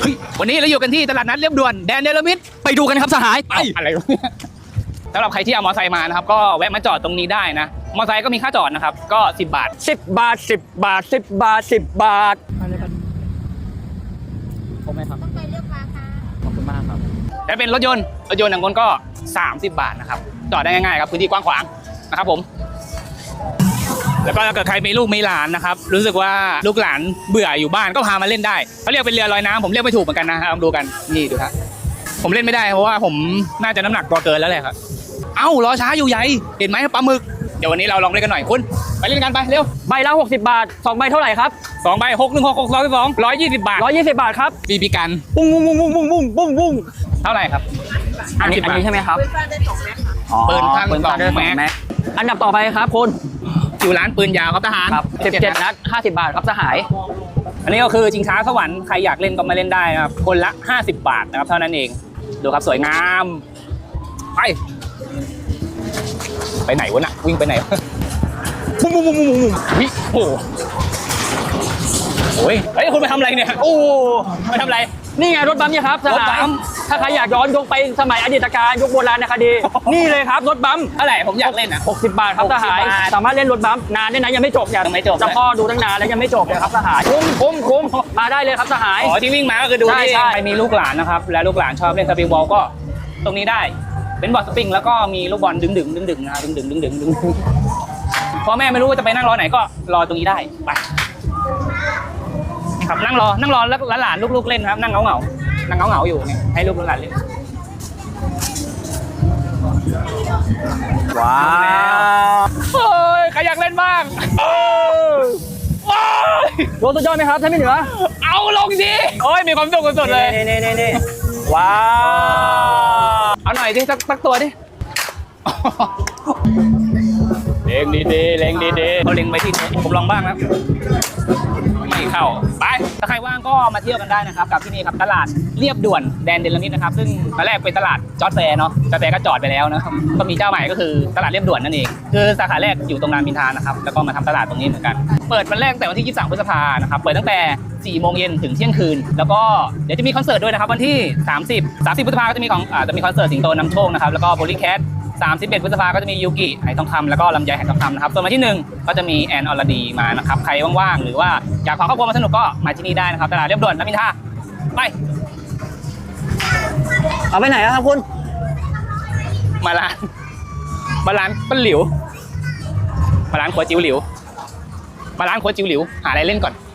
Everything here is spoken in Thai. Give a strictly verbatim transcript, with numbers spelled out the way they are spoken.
เฮ้ยวันนี้เราอยู่กันที่ตลาดนัดเรียบด่วนแดนเนลมิดไปดูกันครับสหายไปอะไรวะเนี่ยสำหรับใครที่เอามอเตอร์ไซค์มานะครับก็แวะมาจอดตรงนี้ได้นะมอเตอร์ไซค์ก็มีค่าจอดนะครับก็สิบบาทสิบบาทสิบบาทสิบบาทสิบบาทครบไหมครับต้องไปเลือกมาค่ะขอบคุณมากครับและเป็นรถยนต์รถยนต์อย่างคนก็สามสิบบาทนะครับจอดได้ง่ายๆครับพื้นที่กว้างขวางนะครับผมแล้วก็ถ้าเกิดใครมีลูกมีหลานนะครับรู้สึกว่าลูกหลานเบื่ออยู่บ้านก็พามาเล่นได้เขาเรียกเป็นเรือลอยน้ำผมเรียกไม่ถูกเหมือนกันนะครับลองดูกันนี่ดูครับผมเล่นไม่ได้เพราะว่าผมน่าจะน้ำหนักตัวเกินแล้วแหละครับเอ้ารอช้าอยู่ใหญ่เห็นไหมปลาหมึกเดี๋ยววันนี้เราลองเล่นกันหน่อยคุณไปเล่นกันไปเร็วใบละหกสิบบาทสองใบเท่าไหร่ครับสองใบหกหนึ่งหกหกสองสองร้อยยี่สิบบาทร้อยยี่สิบบาทครับบีบีกันปุ้งปุ้งปุ้งปุ้งปุ้งปุ้งปุ้งเท่าไหร่ครับอันนี้อันนี้ใช่ไหมครับปืนสั้นสองแม็กอันดับต่อไปครับคุณอยู่ร้านปืนยาวครับทหารครับสิบเจ็ดนัดห้าสิบบาทครับสหายอันนี้ก็คือชิงช้าสวรรค์ใครอยากเล่นก็มาเล่นได้นะครับคนละห้าสิบบาทนะครับเท่านั้นเองดูครับสวยงามไปไปไหนวะน่ะวิ่งไปไหนบุ้มบุ้มบุ้มบุ้มบุ้มวิโอ้โหเฮ้ยคุณไปทำอะไรเนี่ยโอ้ไปทำอะไรนี่ไงรถบัมเนี่ยครับสหายถ้าใครอยากย้อนยกไปสมัยอดีตการยกโบราณนะคดีนี่เลยครับรถบัมเท่าไหร่ผมอยากเล่นนะหกสิบบาทครับสหายสามารถเล่นรถบัมนานได้นะยังไม่จบเนี่ยไม่จบจะพ่อดูตั้งนานแล้วยังไม่จบเลยครับสหายคุ้มคุ้มคุ้มมาได้เลยครับสหายอ๋อที่วิ่งมาก็คือดูที่ใครมีลูกหลานนะครับและลูกหลานชอบเล่นสปริงบอลก็ตรงนี้ได้เป็นบอลสปริงแล้วก็มีลูกบอลดึงดึงดึงดึงนะดึงดึงดึงดึงดึงพ่อแม่ไม่รู้ว่าจะไปนั่งรอไหนก็รอตรงนี้ได้ไปครับนั่งรอนั่งรอแล้วหลานลูกๆเล่นครับนั่งเงาเงานั่งเงาเงาอยู่เนี่ยให้ลูกหลานเล่นว้าวเฮ้ยใครอยากเล่นบ้างว้าวรถสุดยอดไหมครับท่านพี่เหนือเอาลงสิโอ้ยมีความสุขสุดๆเลยนี่นี่นี่นี่ว้าวเอาหน่อยดิสักสักตัวดิเล็งดีๆเล็งดีๆเขาเล็งไปที่ผมลองบ้างครับไม่เข้าไปถ้าใครว่างก็มาเที่ยวกันได้นะครับกับที่นี่ครับตลาดเรียบด่วนแดนเดลมิดนะครับซึ่งตอนแรกเป็นตลาดจอร์จแฟร์เนาะจอร์จแฟร์ก็จอดไปแล้วนะครับก็มีเจ้าใหม่ก็คือตลาดเรียบด่วนนั่นเองคือสาขาแรกอยู่ตรงรามอินทรานะครับแล้วก็มาทำตลาดตรงนี้เหมือนกันเปิดวันแรกแต่วันที่ยี่สิบสามพฤษภานะครับเปิดตั้งแต่สี่โมงเย็นถึงเที่ยงคืนแล้วก็เดี๋ยวจะมีคอนเสิร์ตด้วยนะครับวันที่สามสิบ สามสิบพฤษภาก็จะมีของอ่าจะมีคอนเสิร์ตสิงโตนำโชคนะครับแล้วก็โพลีแคทสามสิบเอ็ดพฤษภาก็จะมียูกิไหทองคำแล้วก็ลำไยไหทองคำนะครับส่วนวันที่หนึ่งก็จะมีแอนอรดีมานะครับใครว่างๆหรือว่าอยากพาครอบครัวมาสนุกก็มาที่นี่ได้นะครับตลาดเรียบด่วนรามอินทราไปเอาไปไหนครับคุณมาร้านมาร้านป้าหลิวมาร้านครัวจิ๋วหลิวมาร้านครัวจิ๋วหลิวหาอะไรเล่นก่อน